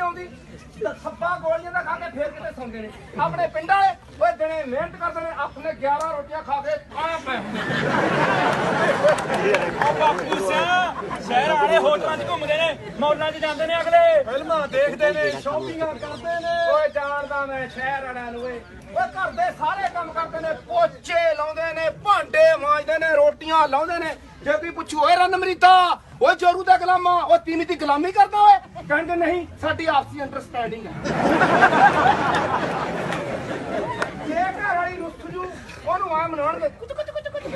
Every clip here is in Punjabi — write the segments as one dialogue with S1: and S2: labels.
S1: ਆਉਂਦੀ ਸੱਪਾ ਗੋਲੀਆਂ ਦਾ ਖਾ ਕੇ ਫੇਰ ਕਿਤੇ ਸੌਂਦੇ ਨੇ ਆਪਣੇ ਪਿੰਡ ਵਾਲੇ ਓਏ ਦਿਨੇ ਮਿਹਨਤ ਕਰਦੇ ਨੇ ਆਪਣੇ 11 ਰੋਟੀਆਂ ਖਾ ਕੇ ਆਹ ਪਏ
S2: ਉਹ ਬਾਪੂ ਸਿਆ ਸ਼ਹਿਰ ਵਾਲੇ ਹੋਟਲਾਂ 'ਚ ਘੁੰਮਦੇ ਨੇ ਮੌਲਾਂ 'ਚ ਜਾਂਦੇ ਨੇ ਅਗਲੇ
S1: ਫਿਲਮਾਂ ਦੇਖਦੇ ਨੇ ਸ਼ਾਪਿੰਗਾਂ ਕਰਦੇ ਨੇ ਓਏ ਜਾਣਦਾ ਮੈਂ ਸ਼ਹਿਰ ਵਾਲਿਆਂ ਨੂੰ ਓਏ ਘਰ ਦੇ ਸਾਰੇ ਕੰਮ ਕਰਦੇ ਨੇ ਪੋਚੇ ਲਾਉਂਦੇ ਨੇ ਭਾਂਡੇ ਮਾਂਜਦੇ ਨੇ ਰੋਟੀਆਂ ਲਾਉਂਦੇ ਨੇ ਜੇ ਕੋਈ ਪੁੱਛੂ ਓਏ ਰਣਮਰੀਤਾ ਓਏ ਜੋਰੂ ਦਾ ਗੁਲਾਮਾ ਉਹ ਤੀਵੀਂ ਦੀ ਗੁਲਾਮੀ ਕਰਦਾ ਓਏ ਕਹਿੰਦੇ ਨਹੀਂ ਸਾਡੀ ਆਪਸੀ ਅੰਡਰਸਟੈਂਡਿੰਗ ਹੈ ਜੇ ਘਰ ਵਾਲੀ ਰੁੱਸ ਜੂ ਉਹਨੂੰ ਆ ਮਨਾਉਣਗੇ ਕੁਝ ਕੁਝ ਕੁਝ ਕੁਝ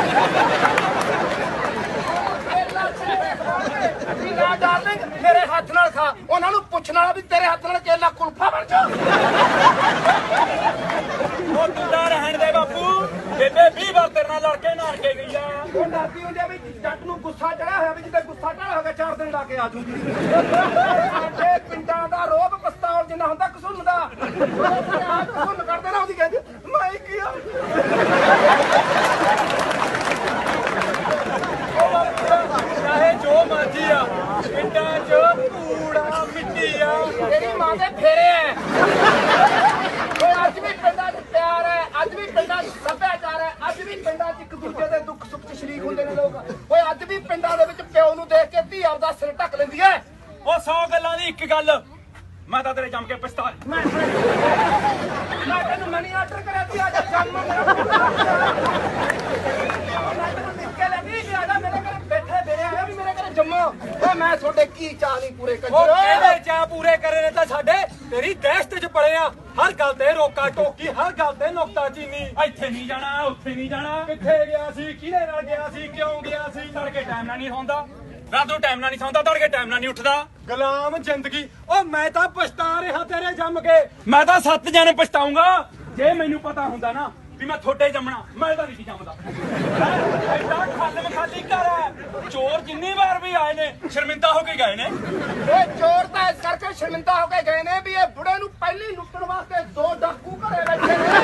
S1: ਨਾ ਡਾਰਲਿੰਗ ਮੇਰੇ ਹੱਥ ਨਾਲ ਖਾ ਉਹਨਾਂ ਨੂੰ ਪੁੱਛਣ ਵਾਲਾ ਵੀ ਤੇਰੇ ਹੱਥ ਨਾਲ ਕੇਲਾ ਕੁਲਫਾ ਬਣ ਜਾ
S2: ਉਹ ਤੂੰ ਤਾਂ ਰਹਿਣ ਦੇ ਬਾਪੂ ਬੇਬੇ 20 ਵਾਰ ਤੇਰੇ ਨਾਲ ਲੜ ਕੇ ਨਾਰ ਕੇ ਗਈ ਆ
S1: ਉਹ ਡਰਦੀ ਹੁੰਦੀ ਆ ਵੀ ਜੱਟ ਨੂੰ ਗੁੱਸਾ ਚੜਿਆ ਹੋਇਆ ਵੀ ਜਿੱਦਾਂ ਗੁੱਸਾ ਢਾਲ ਹੋ ਗਿਆ 4 ਦਿਨ ਲਾ ਕੇ ਆ ਜੂਗੀ ਸਾਡੇ ਪਿੰਡਾਂ ਦਾ ਰੋਬ ਪਸਤੌਲ ਜਿੰਨਾ ਹੁੰਦਾ ਕਸੂਨ ਦਾ ਕਸੂਨ ਕਰਦੇ ਨਾ ਉਹਦੀ ਕਹਿੰਦੀ ਮੈਂ ਕੀ ਆ
S2: ਚਾਹੇ ਜੋ ਮਰਜੀ ਆ ਪਿੰਡਾਂ 'ਚ ਕੂੜਾ ਮਿੱਟੀ ਆ
S1: ਤੇਰੀ ਮਾਂ ਦੇ ਫੇਰੇ ਐ ਓਏ ਅੱਜ ਵੀ ਪਿੰਡਾਂ 'ਚ ਪਿਆਰ ਹੈ ਅੱਜ ਵੀ ਪਿੰਡਾਂ 'ਚ ਸੱਭਿਆਚਾਰ ਹੈ ਅੱਜ ਵੀ ਪਿੰਡਾਂ 'ਚ ਇੱਕ ਦੂਜੇ ਦੇ ਦੁੱਖ ਸੁੱਖ 'ਚ ਸ਼ਰੀਕ ਹੁੰਦੇ ਨੇ ਲੋਕ ਓਏ ਅੱਜ ਵੀ ਪਿੰਡਾਂ ਦੇ ਵਿੱਚ ਪਿਓ ਨੂੰ ਦੇਖ ਕੇ ਧੀ ਆਪਦਾ ਸਿਰ ਢੱਕ ਲੈਂਦੀ ਐ
S2: ਉਹ 100 ਗੱਲਾਂ ਦੀ ਇੱਕ ਗੱਲ ਮੈਂ ਤਾਂ ਤੇਰੇ ਜੰਮ ਕੇ ਪਛਤਾ
S1: ਮੈਂ ਤੈਨੂੰ ਮਨੀ ਆਰਡਰ ਕਰਿਆ ਸੀ ਆ ਜਾ ਜੰਮ ਮੇਰਾ ਨਿੱਕੇ ਲੱਗੀ ਕਿ ਆ ਜਾ ਮੇਰੇ ਘਰ ਬੈਠੇ ਮੇਰੇ ਆਇਆ ਵੀ ਮੇਰੇ ਘਰ ਜੰਮੋ ਓਏ ਮੈਂ ਤੁਹਾਡੇ ਕੀ ਚਾਹ ਨਹੀਂ ਪੂਰੇ
S2: ਉਹ
S1: ਕੰਜਰ
S2: ਕਿਹੜੇ ਚਾਹ ਪੂਰੇ ਕਰੇ ਨੇ ਤਾਂ ਸਾਡੇ ਤੇਰੀ ਦਹਿਸ਼ਤ 'ਚ ਪੜੇ ਆ ਹਰ ਗੱਲ ਤੇ ਰੋਕਾ ਟੋਕੀ ਹਰ ਗੱਲ ਤੇ ਨੁਕਤਾ ਚੀਨੀ ਇੱਥੇ ਨਹੀਂ ਜਾਣਾ ਉੱਥੇ ਨਹੀਂ ਜਾਣਾ ਕਿੱਥੇ ਗਿਆ ਸੀ ਕਿਹਦੇ ਨਾਲ ਗਿਆ ਸੀ ਕਿਉਂ ਗਿਆ ਸੀ ਤੜਕੇ ਟਾਈਮ ਨਾਲ ਨਹੀਂ ਸੌਂਦਾ ਰਾਤ ਨੂੰ ਟਾਈਮ ਨਾਲ ਨਹੀਂ ਸੌਂਦਾ ਤੜਕੇ ਟਾਈਮ ਨਾਲ ਨਹੀਂ ਉੱਠਦਾ ਗੁਲਾਮ ਜ਼ਿੰਦਗੀ ਉਹ ਮੈਂ ਤਾਂ ਪਛਤਾ ਰਿਹਾ ਤੇਰੇ ਜੰਮ ਕੇ ਮੈਂ ਤਾਂ 7 ਜਣੇ ਪਛਤਾਉਂਗਾ ਜੇ ਮੈਨੂੰ ਪਤਾ ਹੁੰਦਾ ਨਾ ਵੀ ਮੈਂ ਥੋੜੇ ਜੰਮਣਾ ਮੈਂ ਤਾਂ ਨਹੀਂ ਜੰਮਦਾ ਐਡਾ ਖਾਲਮ ਖਾਲੀ ਘਰ ਹੈ ਚੋਰ ਜਿੰਨੀ ਵਾਰ ਵੀ ਆਏ ਨੇ ਸ਼ਰਮਿੰਦਾ ਹੋ ਕੇ ਗਏ ਨੇ
S1: ਓਏ ਚੋਰ ਤਾਂ ਇਸ ਕਰਕੇ ਸ਼ਰਮਿੰਦਾ ਹੋ ਕੇ ਗਏ ਨੇ ਵੀ ਇਹ ਬੁੜੇ ਨੂੰ ਪਹਿਲੀ ਲੁੱਟਣ ਵਾਸਤੇ 2 ਡਾਕੂ ਘਰੇ ਬੈਠੇ ਨੇ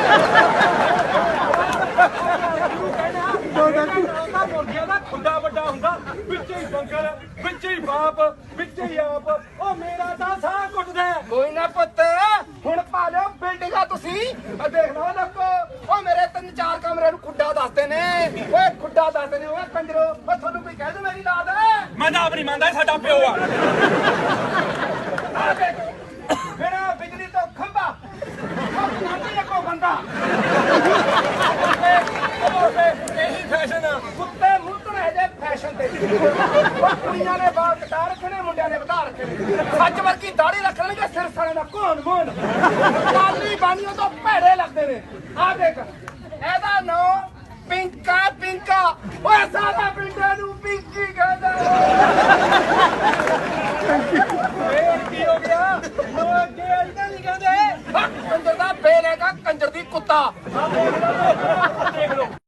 S2: ਦੋ ਡਾਕੂ ਮੁਰਗੀਆਂ ਦਾ ਖੁੱਡਾ ਵੱਡਾ ਹੁੰਦਾ ਵਿੱਚ ਹੀ ਬੰਕਰ ਵਿੱਚ ਹੀ ਬਾਪ ਵਿੱਚ ਹੀ ਆਪ ਉਹ ਮੇਰਾ ਤਾਂ ਸਾਹ ਘੁੱਟਦਾ
S1: ਕੋਈ ਨਾ ਪੁੱਤ ਹੁਣ ਪਾ ਲਿਓ ਬਿਲਡਿੰਗਾਂ ਤੁਸੀਂ ਆ ਦੇਖ ਲਓ ਲੋਕੋ ਓ ਮੇਰੇ 3-4 ਕਮਰੇ ਨੂੰ ਖੁੱਡਾ ਦੱਸਦੇ ਨੇ ਓਏ ਖੁੱਡਾ ਦੱਸਦੇ ਨੇ ਓਏ ਕੰਜਰੋ ਓ ਤੁਹਾਨੂੰ ਕੋਈ ਕਹਿ ਦੇ ਮੇਰੀ ਲਾਦ
S2: ਮੈਂ ਤਾਂ ਆਪ ਨਹੀਂ ਮੰਨਦਾ ਇਹ ਸਾਡਾ ਪਿਓ ਆ
S1: ਆ ਦੇਖ ਮੇਰਾ ਬਿਜਲੀ ਤੋਂ ਖੰਭਾ ਉਹ ਨਾਂਦੀ ਇੱਕੋ ਬੰਦਾ
S2: ਇਹੀ ਫੈਸ਼ਨ ਆ
S1: ਕੁੱਤੇ ਮੁੱਤਣੇ ਜੇ ਫੈਸ਼ਨ ਤੇ ਉਹ ਕੁੜੀਆਂ ਨੇ ਬਾਲ ਕਟਾ ਰੱਖੇ ਨੇ ਮੁੰਡਿਆਂ ਨੇ ਵਧਾ ਰੱਖੇ ਨੇ ਸੱਚ ਵਰਗੀ ਦਾੜੀ ਰੱਖਣਗੇ ਸਿਰ ਸਾਲੇ ਦਾ ਕੋਣ ਮੋਣ ਕਾਲੀ ਬਾਣੀਆਂ ਤੋਂ ਭੈੜੇ ਲੱਗਦੇ ਨੇ ਆ ਦੇਖ ਇਹਦਾ ਨਾਂ ਪਿੰਕਾ ਪਿੰਕਾ ਓਏ ਸਾਰਾ ਪਿੰਡਾਂ ਨੂੰ ਪਿੰਕੀ ਕਹਿੰਦਾ
S2: ਇਹ ਕੀ ਹੋ ਗਿਆ ਉਹ ਅੱਗੇ ਇਦਾਂ ਨਹੀਂ ਕਹਿੰਦੇ
S1: ਕੰਜਰ ਦਾ ਬੇਲ ਹੈਗਾ ਕੰਜਰ ਦੀ ਕੁੱਤਾ
S2: ਆ ਦੇਖ ਲਓ